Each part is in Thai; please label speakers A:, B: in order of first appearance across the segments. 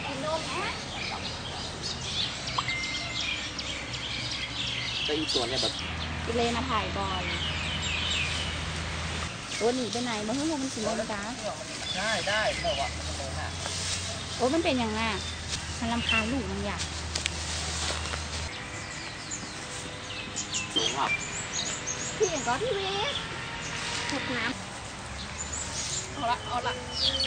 A: แต่อีตัวเนี่ยแบบ
B: กิเลมาถ่ายบอลตัวหนีไปไหนมาเพิ่งมันสิลงจ้า
A: ได้แต่ว่า
B: โอ้มันเป็นอย่างน่ะมันรำคาญลูกมันอยาก
A: สูงอ่ะ
B: พี่อย่างก็พี่เวสหกน้ำเอาละ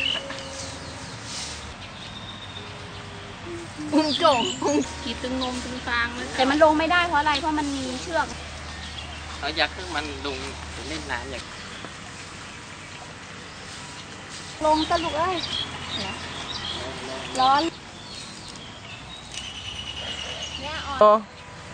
B: อุ้งโจ่งขีดตึงงมตึงฟางเลยแต่มันลงไม่ได้เพราะอะไรเพราะมันมีเชือก
A: เขาอยากให้มันลงเล่นน้ำอยาก
B: ลงสรุปเลยร้อนเนี่ยอ่อน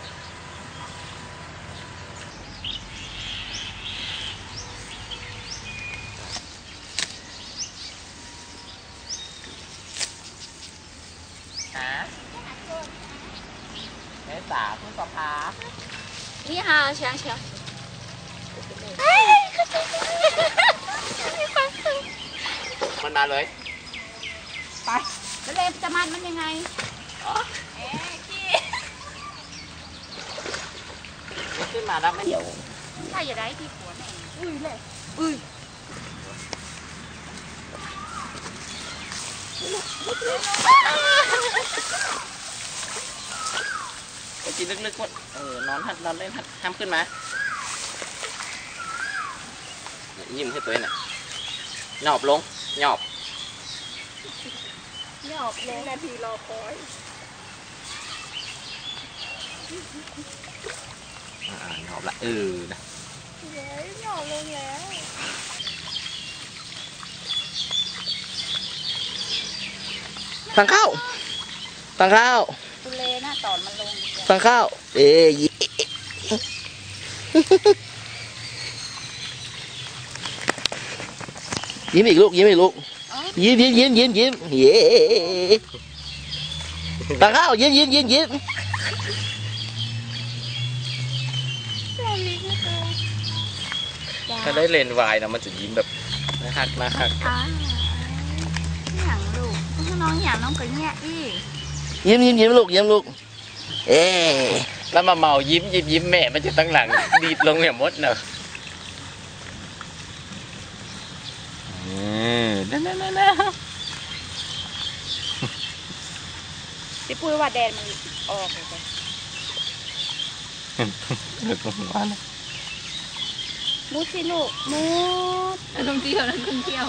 A: เมษาพฤษภา
B: นี่ฮะเชียง
A: มันมาเลย
B: ไปแล้วเลมจะมันยังไง
A: ขึ้นมาแล้วไม่เดี๋ยว
B: ถ้าอย่าได้ที่หัวแม่เลย
A: ไปกินลึกๆว่านอนเล่นห้ามขึ้นมายิ้มให้ตัวเองน่ะหยอบลงหยอบ
B: เลยนาทีรอคอย
A: หยอบละนะ
B: หยอบลงแล้ว
A: สั่งข้าว
B: ตุเลน่ะตอนมันลง
A: สั่งข้าวยิ้มอีกลูกยิ้มเย้สั่งข้าวยิ้มถ้าได้เลนวายนะมันจะยิ้มแบบน่าฮัก
B: อย่างลูกถ้าน้องอย่างน้องก็เงี้ย
A: ยิ้มลูกแล้วมาเมายิ้มแม่มันจะตั้งหลังดีดลงอย่างมดเนอะนั่น
B: พี่ปุ้ยว่าแดนมันออกเลยมุดสิลูกมุดท่องเที่ยวนั่นท่องเที่ยว